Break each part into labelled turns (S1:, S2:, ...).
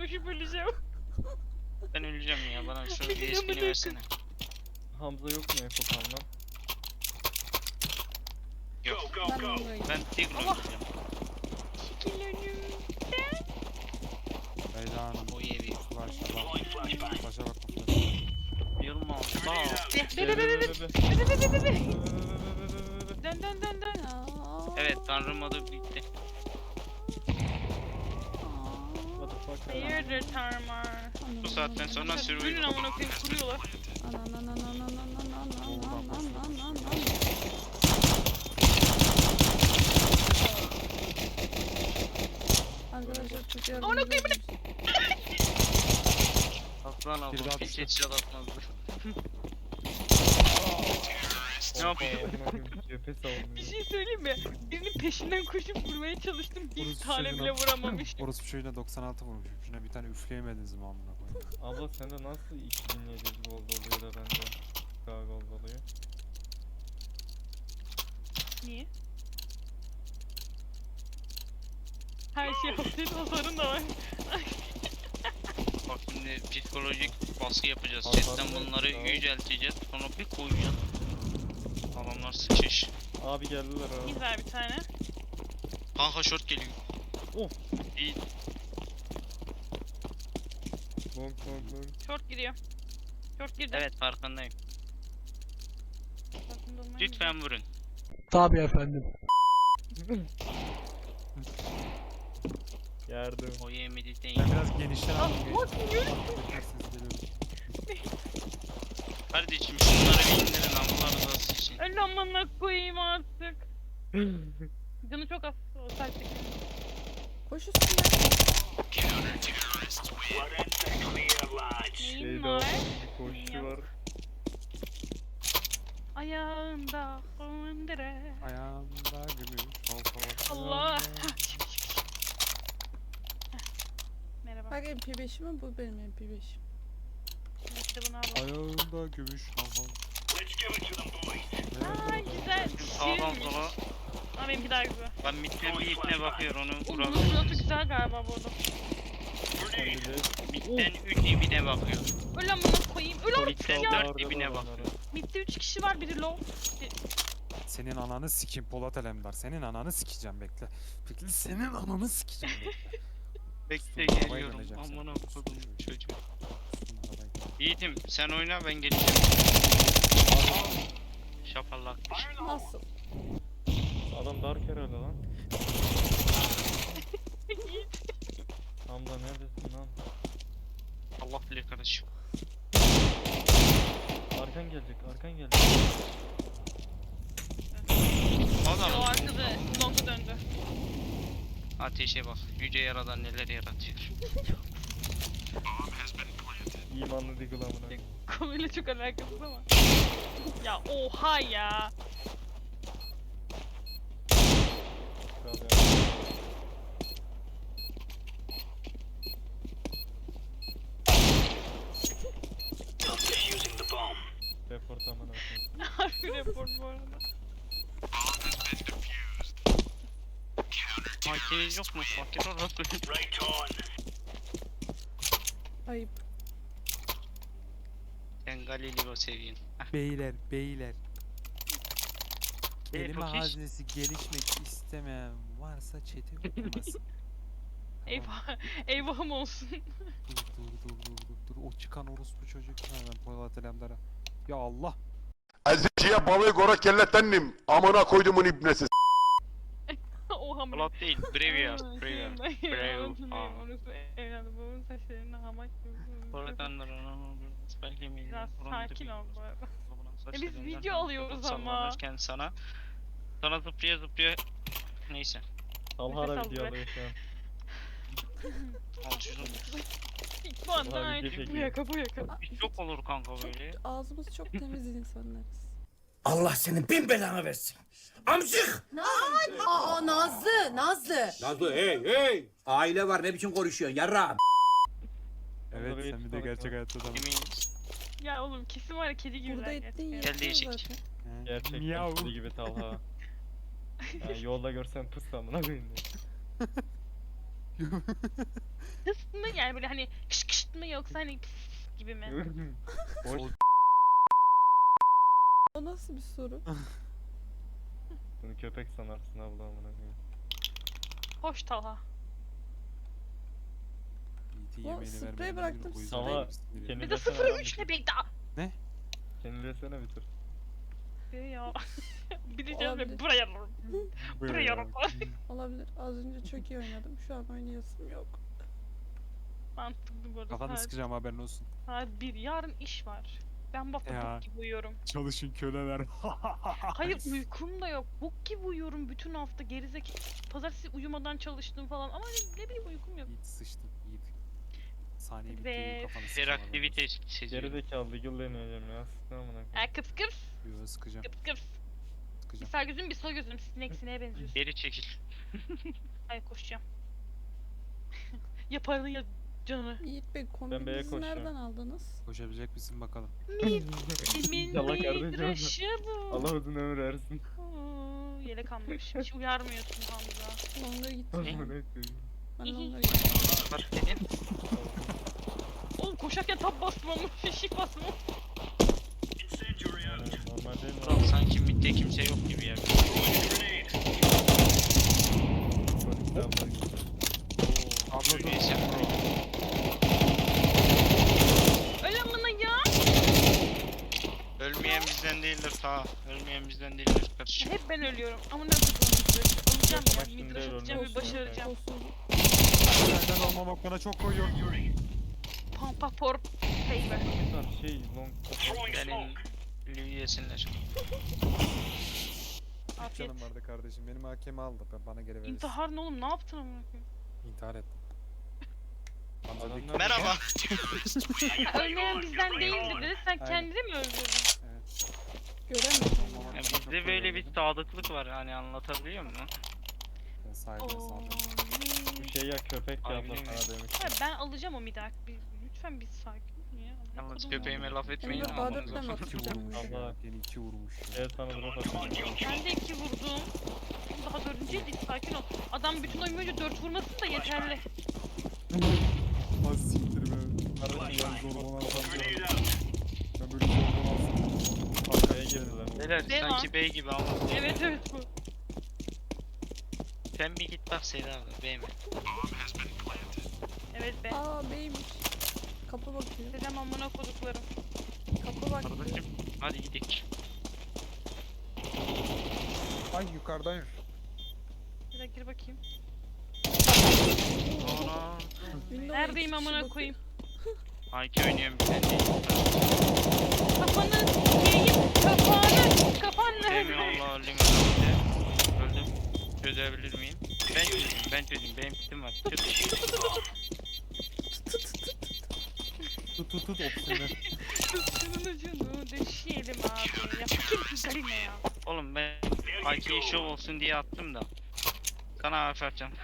S1: koşup öleceğim.
S2: Ben öleceğim ya, bana şu USB'ni versene.
S3: Hamza yok mu Ekokan'la?
S2: Yok.
S4: Ben Umre'yim.
S2: Ben Tigre öleceğim.
S1: Çekil önümden.
S5: Leyla Hanım.
S2: O iyi bir.
S5: Başa bak.
S2: Yılma Allah.
S1: Dön.
S2: Evet, Tanrı modu bitti.
S3: What the fuck?
S1: Hayırdır Tarmar?
S2: Bu saatten sonra
S1: Bugün
S2: sürüyor.
S1: amına koyayım kuruyorlar.
S4: Arkadaşlar çok yardımcı
S1: Amına koyayım,
S4: olun.
S2: Aslan
S5: Bir
S2: abla
S5: daha
S2: hiç
S5: düştü.
S2: headshot atmazdı. Ne yapıyor?
S3: Cephe savunuyor.
S1: Bir şey söyleyeyim mi? Birinin peşinden koşup vurmaya çalıştım. Bir
S5: Orası
S1: tane
S5: çocuğuna-
S1: bile vuramamış.
S5: Orospu çocuğuna 96 vurmuşum. Şuna bir tane üfleyemediniz mi amına koyayım?
S3: Abla sende nasıl 2700 gold oluyor da bende daha gold oluyor?
S1: Niye? Her şey hafif hasarın da var.
S2: Bak şimdi psikolojik baskı yapacağız.
S3: Hasan
S2: Chatten
S3: da-
S2: bunları
S3: Tamam.
S2: yücelteceğiz. Sonra bir koyacağız. Adamlar sıçış.
S3: Abi geldiler abi.
S1: Güzel bir tane.
S2: Kanka short geliyor.
S3: Of.
S2: İyi.
S3: Long.
S1: Short giriyor. Short girdi.
S2: Evet, farkındayım.
S1: Farkında olmayı
S2: Lütfen vurun.
S3: Yardım.
S2: O yemedi değil.
S5: Ben biraz genişten
S1: Ah,
S5: aldım.
S1: what? Yürü.
S2: Kardeşim şunları bir indirin, Allah rızası için.
S1: Öl amına koyayım artık. Canı çok az. O sertlik.
S4: Koş üstüne.
S1: Neyim
S3: Şeyde
S1: var?
S3: bir koşu var.
S1: Ayağında kundura.
S5: Ayağımda gümüş hal
S1: Allah. Merhaba.
S4: Bak MP5'im mi? Bu benim MP5'im.
S1: İşte bunu al.
S5: Ayağımda gümüş hal
S1: Aa güzel.
S2: Sağdan
S1: Şirinmiş.
S2: sola.
S1: Ama benimki daha güzel.
S2: Ben midden bir ipne bakıyor, onu
S1: O
S2: vuralım.
S1: bunun pilotu güzel galiba bu arada.
S2: Midden 3 ibine bakıyor.
S1: Öl amına koyayım. Öl artık
S2: Midden
S1: ya.
S2: 4 ibine bakıyor.
S1: Midde 3 kişi var, biri low.
S5: Senin ananı sikeyim Polat Alemdar. Senin ananı sikeceğim bekle. Bekle senin ananı sikeceğim bekle.
S2: Bekle
S5: Arabayla
S2: geliyorum.
S5: geleceğim sen.
S2: Amına kodum çocuğum.
S5: Tutun arabayı.
S2: Yiğitim sen oyna, ben geleceğim. Şapallak.
S4: Nasıl?
S3: Adam dark herhalde lan. Hamza neredesin lan?
S2: Allah bilir kardeşim.
S3: Arkan gelecek.
S1: O
S2: Adam
S1: arkada longa döndü.
S2: ateşe bak. Yüce Yaradan neler yaratıyor.
S3: İmanlı Diggle amına.
S1: Konuyla çok alakasız ama. Ya oha ya.
S3: Kral ya. Report amına koyayım.
S1: Harbi report bu arada.
S2: Hakiniz yok mu? Fakir olarak.
S4: Ayıp.
S2: Sen Galileo seviyorsun.
S5: Beyler. Kelime
S2: Tokiş.
S5: hazinesi gelişmek istemeyen varsa chat'i okumasın.
S1: Eyvahım olsun.
S5: Dur. O çıkan orospu çocuk. Ben Polat Alemdar'a. Ya Allah.
S6: Eziciye balığı gora kellettendim. Amına koydumun ibnesi.
S1: Oha mı?
S2: Polat değil. Breviar.
S1: Aa,
S2: Breviar.
S1: şeyim ben ya,
S2: Breviar.
S1: hatırlıyorum. Orası evladım babamın saçlarını hamak gibi.
S2: Polat'ın belki mi?
S1: Biraz sakin ol bu arada. biz video alıyoruz ama.
S2: Sana zıplaya neyse.
S3: Talha da
S1: Nefes al
S3: video
S1: be.
S3: alıyor şu an.
S2: Al şunu.
S1: İlk bu anda
S3: Abi,
S1: aynı.
S3: bir
S1: Bu yaka.
S2: Bir çok olur kanka böyle.
S4: Ağzımız çok temiz insanlarız.
S7: Allah senin bin belanı versin. Amcık!
S8: Aa Nazlı.
S7: Nazlı hey! Aile var ne biçim konuşuyorsun yarrağım?
S5: Evet
S3: Orada
S5: sen bir de
S3: tutalım
S5: gerçek
S3: ya.
S5: hayatta da.
S2: Eminim.
S1: Ya oğlum kesin var ya kedi gibi.
S4: Burada ettiğin
S2: Gel
S4: yetiyor
S2: değişik.
S4: zaten.
S3: Gerçekten
S5: Miyav.
S3: kedi gibi Talha. Yani yolda görsen pıs amına koyayım diye.
S1: Hıs mı yani böyle hani kış kış mı yoksa hani pıs gibi mi?
S3: Boş.
S4: O nasıl bir soru?
S3: Bunu köpek sanarsın abla amına koyayım.
S1: Hoş Talha.
S5: Yiğit'in
S4: Ulan
S5: yemeğini
S4: sprey
S5: vermeden
S4: bıraktım,
S5: o yüzden
S3: sprey.
S5: benim sinirlerim-
S3: Kendi
S1: Bir de
S3: desene
S1: 0-3
S3: lan
S1: ne be daha.
S3: Kendilesene bir tur.
S1: Ya. Bir de canım
S4: Olabilir.
S1: buraya alırım. Buraya alırım.
S4: Olabilir. Az önce çok iyi oynadım. Şu an oynayasım yok.
S1: Mantıklı bu arada.
S5: Kafanı
S1: Saat,
S5: sıkacağım haberin olsun.
S1: saat 1. Yarın iş var. Ben bak
S5: Ya.
S1: bok gibi uyuyorum.
S5: Çalışın köleler.
S1: Hayır uykum da yok. Bok gibi uyuyorum bütün hafta gerizek. Pazartesi uyumadan çalıştım falan ama ne bileyim uykum yok.
S5: Yiğit sıçtın Yiğit. Saniye bitti
S1: Ve-
S5: kafanı sıkacağım. haberin
S2: Hiperaktivite
S5: olsun.
S2: seziyorum.
S3: Geri zekalı Eagle deneyeceğim ya. Sıkma amına koyayım.
S1: Kıps kıps
S5: Yo sıkacağım.
S1: kıps kıps. Bir
S5: Sıkacağım.
S1: sağ gözüm bir sol gözüm sineğe benziyorsun.
S2: Geri çekil.
S1: Hayır koşacağım. Ya paranı ya canını.
S4: Yiğit Bey
S3: B'ye
S4: kombinizi
S3: koşacağım.
S4: nereden aldınız?
S5: Koşabilecek misin bakalım.
S1: Kimin
S3: Yallah kardeşim.
S1: midraşı bu?
S3: Allah uzun ömür versin.
S1: Oo, yelek almış. Hiç uyarmıyorsun Hamza.
S4: Longa gittim.
S3: Amına
S4: ben.
S3: koyayım.
S4: Ben longa gittim.
S2: Bak dedin.
S1: Oğlum koşarken tab bastım ama shift bastım.
S3: Yani normal değil mi?
S2: Ulan sanki midde kimse yok gibi ya.
S3: Polis abla gibi.
S2: Abla neyse.
S1: Öyle amına ya.
S2: Ölmeyen bizden değildir ta. Ölmeyen bizden değildir kardeşim.
S1: Hep ben ölüyorum. Amına koyduğum midraşı. Alacağım
S3: Bak
S1: ya.
S3: şimdi
S1: Midraş
S3: öyle
S1: atacağım ve
S3: olmaz.
S1: başaracağım.
S4: Kolsuzluk.
S5: Senden olmamak bana çok koyuyor.
S1: Pampa for favor.
S3: Lan şey long.
S2: Benim Lüyü yesinler.
S1: Afiyet.
S5: Canım vardı kardeşim. Benim hakemi aldı. Bana geri verirsin.
S1: İntihar ne oğlum ne yaptın amına koyayım?
S5: İntihar ettim.
S3: Adamlar-
S2: Merhaba.
S1: Ölmeyen bizden değildir dedi. Sen
S5: Aynen.
S1: kendini mi öldürdün?
S4: Göremedim.
S2: Ya bizde böyle bir sadıklık var hani anlatabiliyor muyum?
S5: Ben sahibine
S1: Oo.
S5: saldım.
S3: Bir şey ya köpek ya abla
S2: Harbiden mi?
S3: sana demiş.
S1: Hayır, ben alacağım o midak. Lütfen bir sakin ol ya. Amına
S2: Yalnız
S1: koydum
S2: köpeğime
S1: ya.
S2: laf etmeyin
S4: Emre
S2: ama.
S4: Bağdat'la mı
S5: İki
S4: atacağım?
S5: vurmuş
S4: bir de?
S3: Allah.
S5: ya. Beni iki vurmuş. ya.
S3: Evet sana drop atacağım.
S1: Ben de 2 vurdum. Daha dördüncüydü sakin ol. Adam bütün oyun boyunca 4 vurmasın da yeterli.
S5: Az siktir be.
S3: Kardeşim
S5: Ben zorbalansam diyorum. Ben böyle zorbalansam.
S3: Arkaya girdiler.
S2: Beyler
S1: Devam.
S2: sanki bey gibi ama.
S1: Evet evet bu.
S2: Sen bir git bak Seyda abla bey mi?
S1: Evet be.
S4: Aa beymiş. Kapı bakıyor.
S1: Dedem amına koduklarım.
S4: Kapı bakıyor.
S2: Kardeşim hadi gidelim.
S5: Ay yukarıdayım.
S1: Bir dakika gir bakayım.
S2: Ana.
S4: Windows'a
S1: Neredeyim
S4: iki kişi
S1: amına
S4: bakıyor.
S1: koyayım?
S2: Hangi oynuyorum bir tane değil.
S1: Kafanı yiyeyim. Kafanı. Kafan
S2: Değil mi
S1: nerede?
S2: Allah limonade. Öldüm. Çözebilir miyim? Ben çözeyim. Benim kitim var. Çöz.
S5: Tut tut tut opsiyonu.
S1: Şunun ucunu deşeyelim abi. Ya kim Karine ya?
S2: Oğlum ben IK'yi show olsun diye attım da. Sana harf atacağım.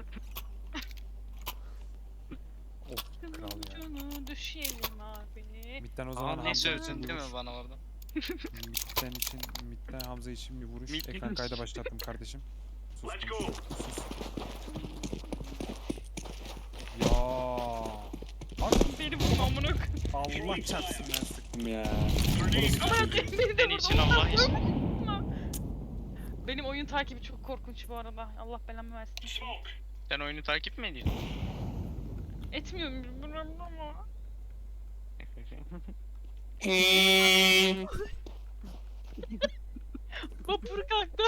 S5: Of kral ya.
S1: Ucunu düşeyelim abi.
S5: Midden o
S2: Aa,
S5: zaman
S2: ne
S5: Hamza için
S2: sövdün
S5: bir
S2: değil mi
S5: vuruş.
S2: bana orada?
S5: Midden Hamza için bir vuruş.
S2: Mid-
S5: Ekran kayda başlattım kardeşim. Sus. Sus. Ya. Bak
S1: Beni vurma amına koyayım.
S5: Allah çarpsın ben sıktım ya.
S1: Amına koyayım beni de
S2: Senin
S1: vurdu.
S2: için Allah için.
S1: Benim oyun takibi çok korkunç bu arada. Allah belamı versin.
S2: Sen oyunu takip mi ediyorsun?
S1: Etmiyorum bilmiyorum ama. Vapur kalktı.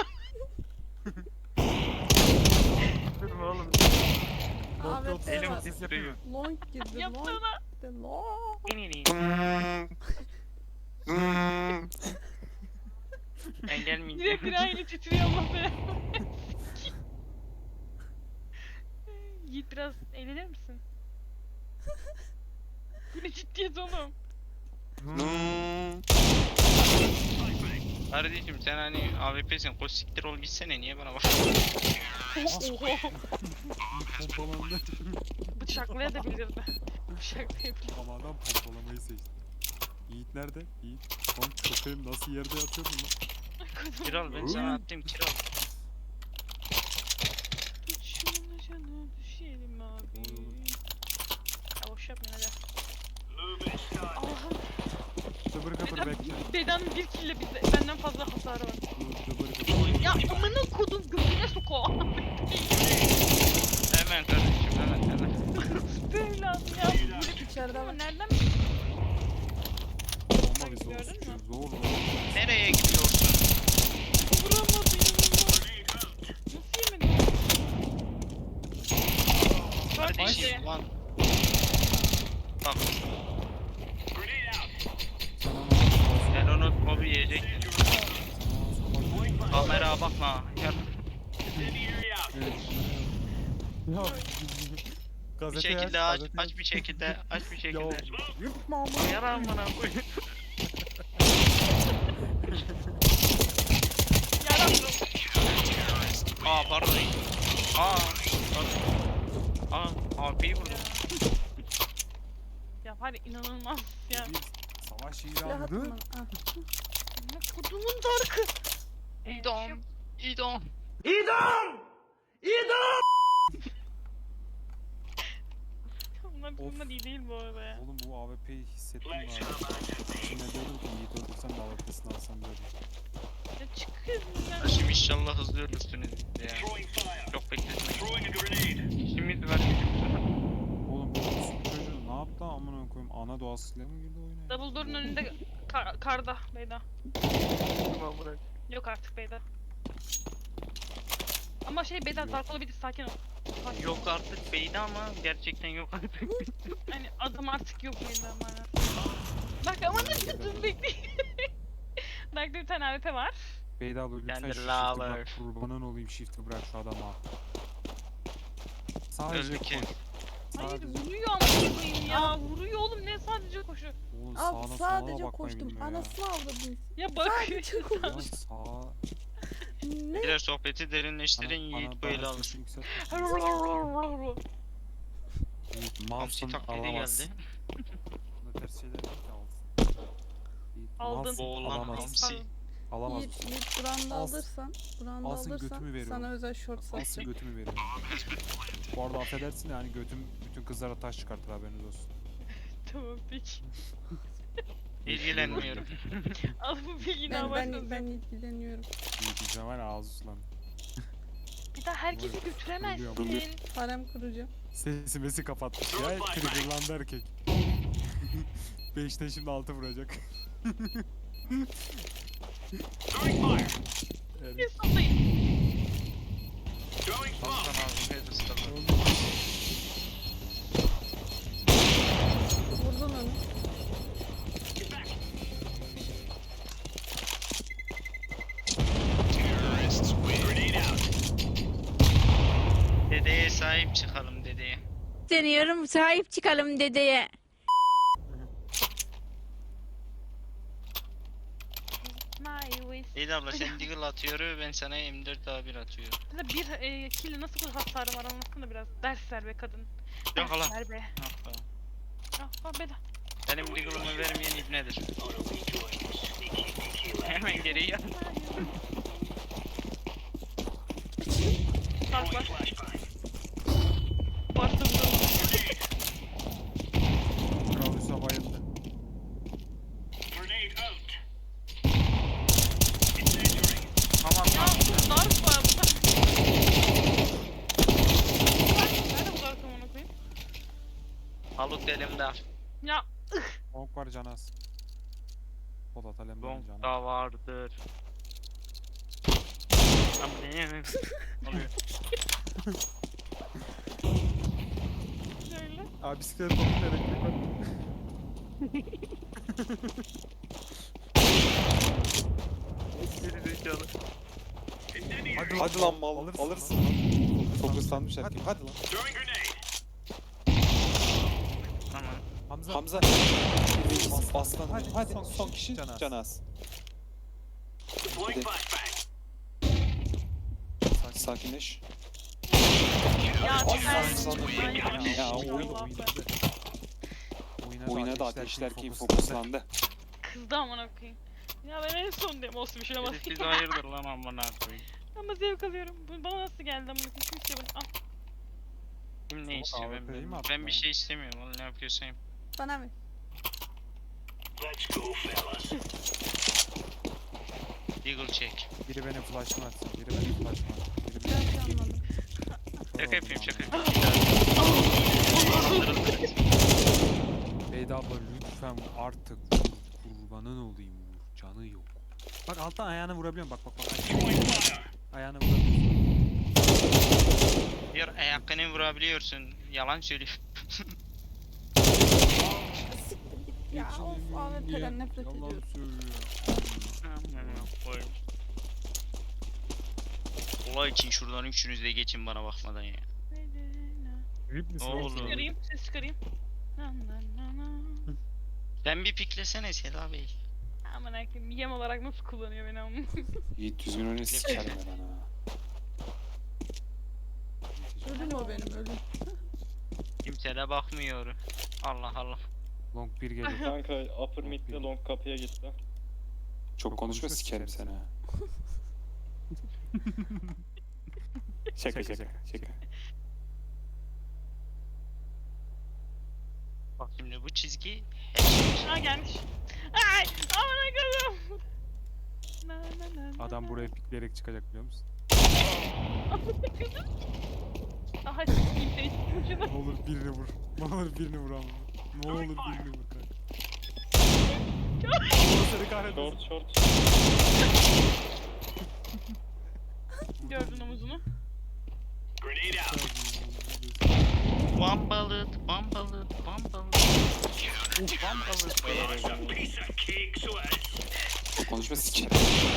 S2: Durma oğlum.
S4: Ahmet
S2: Elim
S4: Sever.
S2: titriyor.
S4: Long girdi.
S1: Yaptı
S4: Long.
S1: ona.
S4: De long.
S2: Ben gelmeyeceğim.
S1: Direkt aynı titriyor Allah be. Yiğit biraz eğlenir misin? Bu ne ciddiyet oğlum?
S2: Kardeşim sen hani AWP'sin koş siktir ol gitsene niye bana bak.
S1: Oho.
S5: Pompalandı.
S1: Bıçaklayabilirdi. Bıçaklayabilirdi.
S5: Ama adam pompalamayı seçti. Yiğit nerede? Yiğit. Lan köpeğim nasıl yerde yatıyordun lan?
S2: Kiral ben sana attım kiral.
S1: Tut şunu canı düşelim Ya boş yapmayın hadi. Allah'ım.
S5: Dıbır gıbır bekle.
S1: Bedanın bir kille benden fazla hasarı var.
S5: Dıbır gıbır.
S1: Ya amına kodum götüne soku.
S2: Hemen kardeşim hemen.
S1: Böyle ya.
S4: İçeride
S1: Ama
S4: var.
S1: nereden
S5: Olma bir zor
S1: Gördün
S5: suçu.
S1: mü?
S5: Zor.
S2: Nereye gidiyorsun?
S1: vuramadı inanılmaz. Nasıl yemedi? Bak
S2: Kardeşim
S1: işte.
S2: lan. Bak sen onu mobi yiyecektin. Kameraya bakma. Ya,
S5: Ya.
S2: bir
S5: Gazete
S2: şekilde
S5: aç,
S2: aç,
S5: gazete
S2: aç bir şekilde, aç bir
S5: Ya
S2: şekilde.
S5: yırtma ama.
S2: Yaram bana koy.
S1: Yaramdım.
S2: Aa pardon. AP'yi vurdum.
S1: Ya var ya inanılmaz ya.
S5: Bir savaş
S4: Silah atın
S5: ilanıdır.
S4: bana. Ah.
S1: Ne kodumun darkı.
S2: İdam. İdam.
S1: Bunlar iyi değil bu arada ya.
S5: Oğlum bu AWP'yi hissettim abi. İçine diyordum ki Yiğit öldürsem de AWP'sini alsam böyle.
S1: Ya çıkın ya.
S2: Şimdi inşallah hızlı ölürsünüz ya. Çok bekletmeyin. İşimiz var gücümüz var.
S5: Oğlum bu çocuğu ne yaptı amına koyayım? Ana doğasıyla mı girdi oyuna? ya?
S1: Double door'un önünde karda Beyda. Yok artık Beyda. Ama şey Beyda
S5: Yok.
S1: dark olabilir sakin ol. Sakin ol.
S2: Yok artık beydi ama gerçekten yok artık.
S1: Hani adam artık yok Beyda bana. Bak ama ne dedim bekleyin. Dark'ta bir tane AWP var.
S5: Beyda abla lütfen
S2: Kendi
S5: şu shift'i
S2: lover.
S5: bırak. Kurbanın olayım shift'i bırak şu adama. Sadece
S2: Öldü ki.
S5: koş.
S1: Hayır
S5: Sadece.
S1: vuruyor ama koyayım ya. Vuruyor oğlum ne sadece koşu.
S5: Oğlum
S4: Abi
S5: sağına
S4: sadece
S5: sola bakmayı
S4: koştum.
S5: bilmiyor ya.
S4: Anasını avradım.
S1: Ya bak.
S4: Sadece
S5: Ya
S4: koştum.
S5: sağ...
S4: Ne?
S2: Biraz sohbeti derinleştirin Yiğit böyle
S5: bana
S2: alır.
S5: sesi yükseltme. Yiğit
S2: Hamsi
S5: malsın
S2: taklidi
S5: alamazsın.
S2: geldi.
S5: Buna ters şeyler değil ki alsın. Yiğit
S1: Aldın.
S5: malsın
S2: Oğlan
S5: alamazsın.
S2: hamsi.
S5: Alamaz.
S4: Yiğit branda
S5: Alsın.
S4: alırsan, branda
S5: Alsın,
S4: alırsan
S5: götümü veriyorum.
S4: sana özel short
S5: Alsın
S4: satacağım.
S5: götümü veriyorum. Bu arada affedersin yani götüm bütün kızlara taş çıkartır haberiniz olsun.
S1: Tamam peki.
S2: İlgilenmiyorum.
S1: Al bu bilgiyi daha
S4: Ben
S1: başlasın.
S4: ilgileniyorum.
S5: Yiğit diyeceğim var ya ağzı sulandı.
S1: Bir daha herkesi götüremezsin.
S4: Harem kuracağım.
S5: Sesimi kapatmış ya. Triggerlandı erkek. 5'te şimdi 6 vuracak.
S1: Bir
S5: Evet.
S1: sallayın.
S2: Hasan abi head ısırdı.
S4: Vurdun onu.
S2: Dedeye sahip çıkalım dedeye.
S8: Deniyorum sahip çıkalım dedeye.
S1: My waist.
S2: İyi abla sen deagle atıyor ben sana M4 A1 atıyorum.
S1: Sana bir kille nasıl kadar hasarı var anlatsana biraz. Ders ver be kadın.
S2: Yok hala.
S1: Ders ver be.
S2: Ah be.
S1: Ah Beda.
S2: Benim deagle'ımı vermeyen ibnedir. Hemen geri gel.
S1: Dark var. Bastı vuralım.
S5: Kral Hüsa bayıldı.
S2: Tamam
S1: Ya
S2: lan.
S1: bu dark var. Nerede bu dark amına koyayım?
S2: Halut elimde.
S1: Ya
S5: Bonk var Canaz. Polat Alemdar'ın
S2: Bonk
S5: Canaz.
S2: da vardır. Ama ne oluyor?
S1: şöyle.
S5: Abi bisiklet topun elektrik var.
S2: Geri zekalı.
S5: Hadi lan mal. Alırsın. Fokuslanmış erkek. Hadi lan.
S2: Tamam.
S5: Hamza.
S9: Hamza aslan hadi son kişi
S5: Canaz.
S9: Canaz. Sakinleş.
S1: Ya
S9: Ay,
S1: sen.
S9: sana
S1: Ay,
S9: ya,
S1: ay,
S9: ya,
S1: Allah
S9: oyun-
S1: be.
S9: Oyuna da ateşler kim fokuslandı.
S1: Kızdı amına koyayım. Ya ben en son diyorum olsun bir şey olmaz.
S2: Siz hayırdır lan amına koyayım.
S1: Ama zevk alıyorum. Bu bana nasıl geldi amına koyayım? Kimse bunu. Al.
S2: Kim ne
S5: Soğuk
S2: istiyor
S5: AWP değil mi
S2: ben
S5: attın
S2: bir
S5: ya?
S2: şey istemiyorum. Oğlum ne yapıyorsan yap.
S4: Bana mı?
S2: Deagle check.
S5: Biri benim flash'ımı atsın. Biri benim flash'ımı atsın. Biri
S4: Ben
S5: benim
S4: şey anladım.
S2: Şaka yapıyorum şaka yapıyorum.
S5: Beyda abla lütfen artık kurbanın olayım vur. Canı yok. Bak alttan ayağını vurabiliyorum. Bak. Ayağını vurabiliyorsun.
S2: Diyor ayakını vurabiliyorsun. Yalan söylüyor.
S4: Siktir git ya. Of AWP'den nefret
S5: Yalan
S4: ediyorum.
S5: söylüyor.
S2: Olay için şuradan üçünüz de geçin bana bakmadan ya.
S5: Grip misin?
S2: Ne
S5: oğlum?
S2: oldu?
S1: Çıkarayım, ses çıkarayım.
S2: Sen bir piklesene Seda Bey.
S1: Aman hakim yem olarak nasıl kullanıyor beni ama.
S9: Yiğit düzgün oyunu sikerim ben ha.
S4: Ölüm o benim ölüm.
S2: Kimse de bakmıyor. Allah Allah.
S5: Long 1 geliyor.
S3: Kanka upper mid'de long kapıya gitti.
S9: Çok konuşma sikerim seni ha. Şaka.
S2: Bak şimdi bu çizgi
S1: Ha gelmiş. Ay aman hakim.
S5: Adam buraya pikleyerek çıkacak biliyor musun?
S1: Aha sikeyim seni.
S5: Ne olur birini vur. Ne olur birini vur ama. Ne olur birini vur kanka. Allah seni kahretmesin.
S3: Short.
S1: Gördün omuzunu.
S2: Bambalıt.
S9: Çok konuşma sikerim.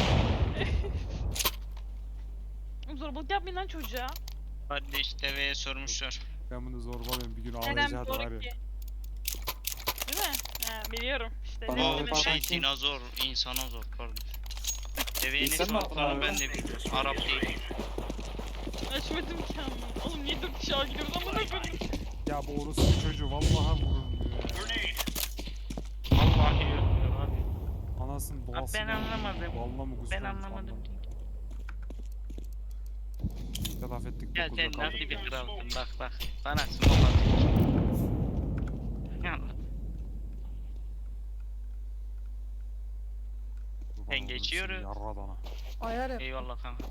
S1: Zorbalık yapmayın lan çocuğa.
S2: Kardeş deveye sormuşlar.
S5: Ben bunu zorbalıyorum bir gün
S1: Neden
S5: ağlayacağız var
S1: doğru
S5: ya.
S1: ki? Değil mi? Ha, biliyorum. İşte
S9: Bana
S1: ne
S2: O
S1: oldu?
S9: bak-
S2: şey dinozor, insana zor kardeş. Deveye ne
S9: İnsan mı
S2: sorduklarını
S9: attın
S2: ben
S9: abi?
S2: de bilmiyorum. Arap değil.
S1: Açmadım ki ama. Oğlum niye 4 kişi gidiyoruz amına koyayım.
S5: Ya bu orospu çocuğu vallahi vurulmuyor ya.
S2: Vallahi yok abi.
S5: Anasının doğasını.
S2: ben anlamadım.
S5: Vallahi mı
S2: Ben anlamadım.
S5: Biz de laf ettik.
S2: Ya
S5: 9'da
S2: sen
S5: kaldık
S2: nasıl bir
S5: ya.
S2: kralsın bak. Bana smoke atıyorsun. Ya
S5: Kurban
S2: Ben
S5: olurum
S2: geçiyorum.
S5: seni yarradana.
S4: Ayar yap.
S2: eyvallah kanka.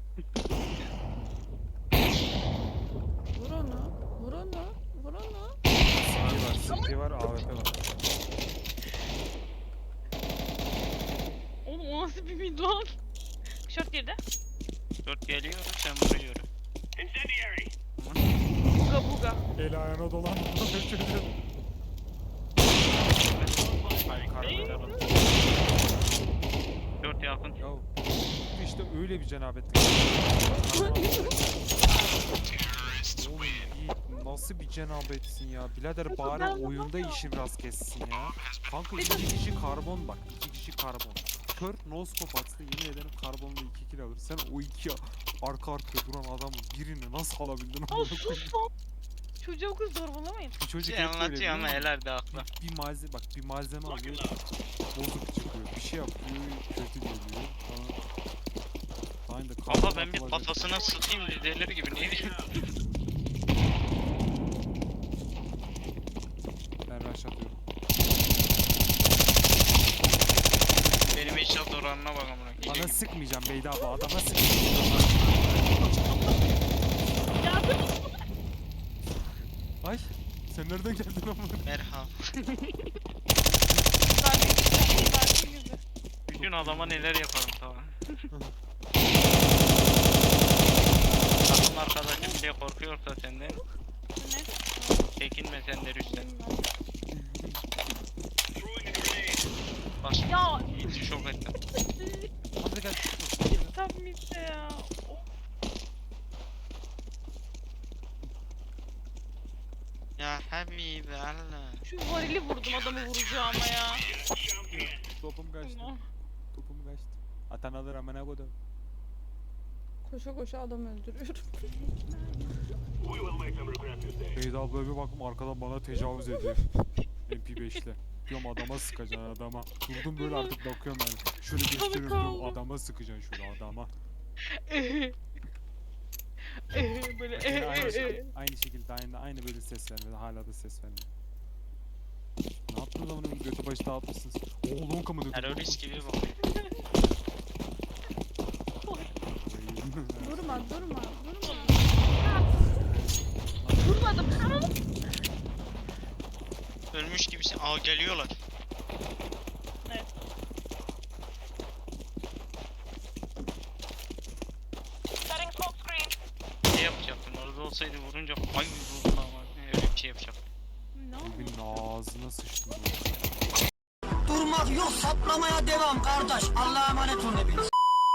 S4: Vur onu. Vur onu. Vur onu.
S5: CT var, AWP var.
S1: Oğlum o nasıl bir mid lan? Şort girdi.
S2: 4 geliyor sen vuruyorum.
S1: Buga buga.
S5: El ayağına dolan. Ay kardeşim.
S2: 4 yakın.
S5: Ya işte öyle bir cenabetlik. Oğlum Yiğit nasıl bir cenabetsin ya? Birader bari oyunda işi biraz kessin ya. Kanka 2 kişi karbon bak. 2 kişi karbon. Kör no scope atsa yemin ederim karbonla 2 kill alır. Sen o iki arka arkaya duran adamın birini nasıl alabildin?
S1: Aa sus lan. Çocuğa o kız zorbalamayın.
S5: Bir çocuk
S2: Şey
S5: hep böyle
S2: anlatıyor ama
S5: biliyor musun?
S2: helal de akla.
S5: Bir malzeme bak bir malzeme alıyor bozuk çıkıyor bir şey yapıyor kötü geliyor aynı da
S2: Baba ben bir kafasına sıkayım dedeler gibi ne diyeyim.
S5: ben rush atıyorum
S2: Benim eşyat oranına bak amına.
S5: bana sıkmayacağım Beyda abla adama sıkmayacağım ay sen nereden geldin ama
S2: Merhaba.
S1: Zaten girdi.
S2: Bir gün adama neler yaparım tamam. Takım arkadaşım diye korkuyorsa senden
S1: Ne?
S2: çekinme sen de Rüstem. Bak
S1: Ya
S2: hiç şok ettim.
S5: hadi gel
S1: tam midde ya. Of.
S2: Ya Habibi Allah.
S1: Şu varili vurdum adamı vuracağıma ya.
S5: topum kaçtı
S1: Allah.
S5: topum kaçtı atan alır amına kodum
S4: Koşa koşa adam öldürüyorum.
S5: Beyda abla bir baktım arkadan bana tecavüz ediyor MP5'le diyorum adama sıkacaksın adama durdum böyle artık bakıyorum ben şöyle gösteriyorum diyorum adama sıkacaksın şöyle adama
S1: Böyle
S5: Yine aynı şekilde aynı böyle ses vermedi. Hala da ses vermiyor. Ne yaptınız amına koyayım? Götü başı dağıtmışsınız. Oğlum kamını.
S2: Terörist gibi bak.
S4: Durma durma durma.
S1: Vurmadım.
S2: Ölmüş gibisin. Aa geliyorlar.
S1: Evet.
S2: Ne yapacaktım? Orada olsaydı vurunca ay vurdu ama öyle bir şey yapacak.
S1: Ne oldu?
S5: Evin ağzına sıçtım.
S7: Durmak yok saplamaya devam kardeş. Allah'a emanet olun hepiniz.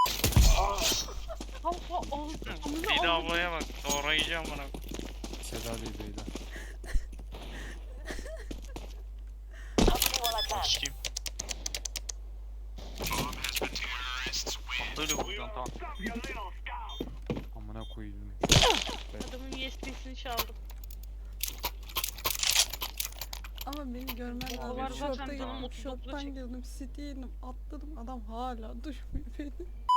S2: Bir de ablaya bak. Doğrayacağım bana.
S5: Seda değil beyler.
S2: Kim? Böyle vuracağım tamam.
S5: Amına koydum.
S1: Adamın USB'sini çaldım.
S4: Ama beni görmen
S1: O var
S4: lazım.
S1: zaten
S4: Şorta
S1: canım,
S4: girdim,
S1: 39'a
S4: şorttan
S1: çek.
S4: girdim, city'ye indim, atladım. Adam hala durmuyor beni.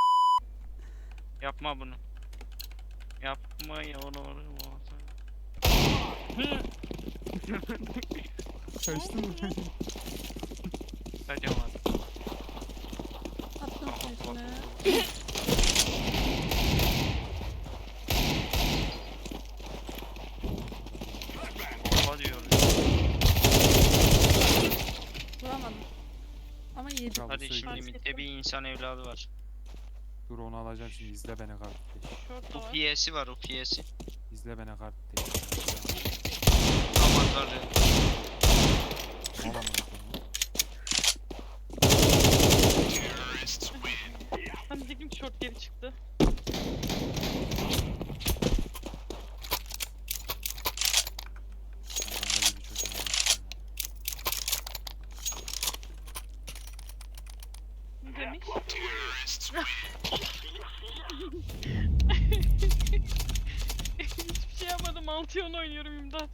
S2: Yapma bunu. Yapma yavrum.
S5: Kaçtı mı?
S2: Kaçamadım.
S4: Attım peşine.
S2: Allah diyorum.
S4: Vuramadım. Ama yedim.
S5: Bravo,
S2: Hadi
S5: söyle.
S2: şimdi midde bir insan evladı var.
S5: Dur onu alacağım şimdi. İzle beni kardeş.
S1: Şort da
S2: Bu
S1: var.
S2: piyesi var o piyesi.
S5: İzle beni kardeş.
S2: Aman tanrım.
S5: Al amına koyayım.
S1: Ben diyecektim ki şort geri çıktı.
S5: Bomba gibi çocuğum ya.
S1: Ne demiş? Hiçbir şey yapmadım. 6 oynuyorum imdat.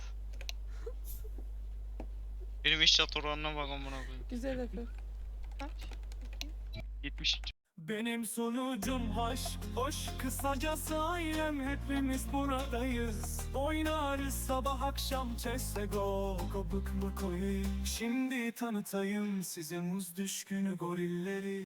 S2: Benim iş çat oranına bak amına koyayım.
S4: Güzel Efe.
S1: Kaç?
S2: 70.
S10: Benim sonucum hoş, hoş kısacası ailem hepimiz buradayız. Oynarız sabah akşam CSGO, kopuk mu koyayım? Şimdi tanıtayım size muz düşkünü gorilleri.